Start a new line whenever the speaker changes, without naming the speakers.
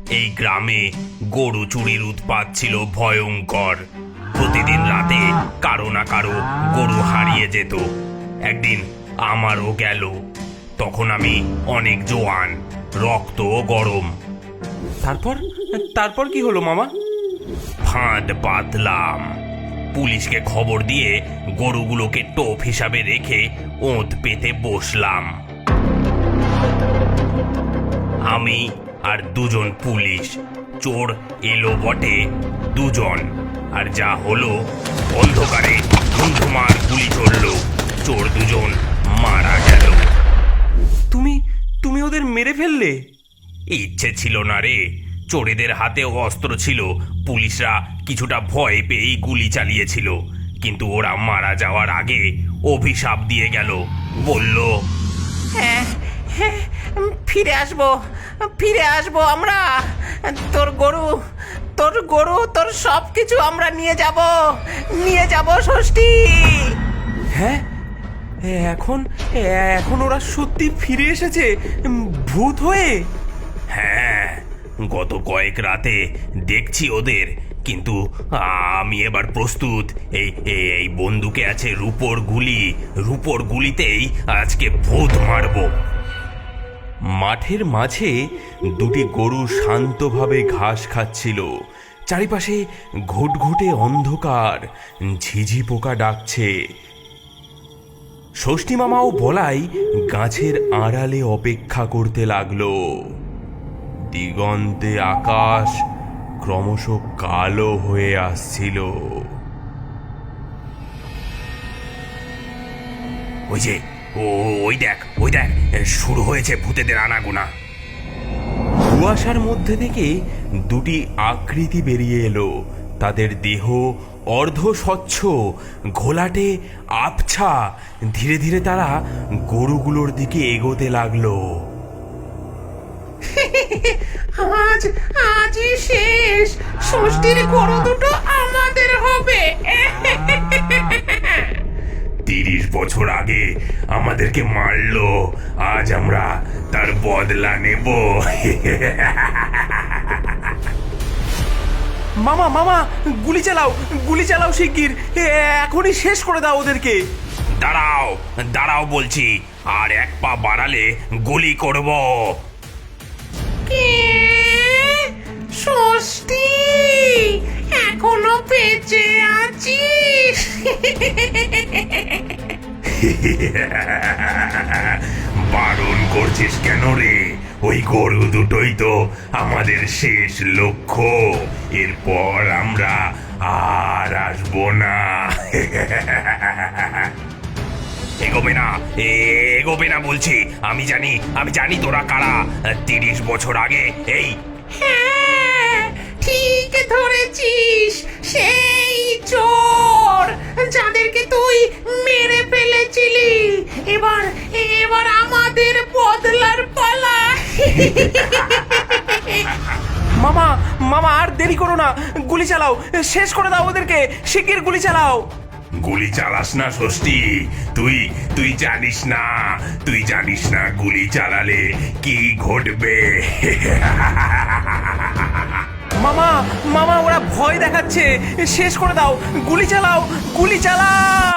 এই গ্রামে গরু চুরির উৎপাত ছিল ভয়ঙ্কর। প্রতিদিন রাতে কারো না কারো গরু হারিয়ে যেত। একদিন আমারও গেল। তখন আমি অনেক জোয়ান, রক্ত গরম।
তারপর তারপর কি হলো মামা?
ফাঁদ পাতলাম। পুলিশকে খবর দিয়ে গরুগুলোকে টোপ হিসাবে রেখে ওঁত পেতে বসলাম। আমি আর দুজন পুলিশ। চোর এলো বটে দুজন, আর যা হলো, অন্ধকারে ধুমধুমার গুলি চললো। চোর দুজন মারা গেল।
তুমি তুমি ওদের মেরে ফেললে?
ইচ্ছে ছিল না রে। চোরেদের হাতেও অস্ত্র ছিল। পুলিশরা কিছুটা ভয় পেয়েই গুলি চালিয়েছিল, কিন্তু ওরা মারা যাওয়ার আগে অভিশাপ দিয়ে গেল। বলল,
হ্যাঁ হ্যাঁ, ফিরে আসবো, ফিরে আসবো আমরা। তোর গরু, তোর সব কিছু আমরা নিয়ে যাব ষষ্ঠী।
হ্যাঁ, এখন এখন ওরা সত্যি ফিরে এসেছে ভূত হয়ে?
হ্যাঁ, গত কয়েক রাতে দেখছি ওদের, কিন্তু আমি এবার প্রস্তুত। এই এই বন্দুকে আছে রূপোর গুলি। রূপোর গুলিতেই আজকে ভূত মারবো।
মাঠের মাঝে দুটি গরু শান্তভাবে ঘাস খাচ্ছিল। চারিপাশে ঘুটঘুটে অন্ধকার, ঝিঝি পোকা ডাকছে। ষষ্ঠী মামা ও বলাই গাছের আড়ালে অপেক্ষা করতে লাগলো। দিগন্তে আকাশ ক্রমশ কালো হয়ে আসছিল।
ওই যে, ওই দেখ, শুরু হয়েছে ভূতেদের আনাগোনা।
কুয়াশার মধ্যে থেকে দুটি আকৃতি বেরিয়ে এলো। তাদের দেহ অর্ধ স্বচ্ছ, ঘোলাটে, আবছা। ধীরে ধীরে তারা গরুগুলোর দিকে এগোতে লাগলো।
আজই শেষ। ষষ্ঠীর গরু দুটো আমাদের হবে।
30 বছর আগে আমাদেরকে মারলো, আজ আমরা তার বদলা নেব।
মামা মামা, গুলি চালাও শিগগির। এখনই শেষ করে দাও ওদেরকে।
দাঁড়াও বলছি, আর এক পা বাড়ালে গুলি করব।
ষষ্ঠী, এখনো বেঁচে আছিস?
বারণ করছিস কেন রে? ওই গরু দুটোই তো আমাদের শেষ লক্ষ্য। এরপর আমরা আর আসবো না। এগোবে না বলছি। আমি জানি তোরা কারা। 30 বছর আগে এই
হ্যাঁ, ঠিক ধরেছিস। সেই চোর যাদেরকে তুই মেরে ফেলেছিলি। এবার আমাদের বদলার পালা।
মামা আর দেরি করো না, গুলি চালাও, শেষ করে দাও ওদেরকে, শিগগির গুলি চালাও।
গুলি চালাস না ষষ্ঠী। তুই জানিস না গুলি চালালে কি ঘটবে।
মামা ওরা ভয় দেখাচ্ছে, শেষ করে দাও, গুলি চালাও।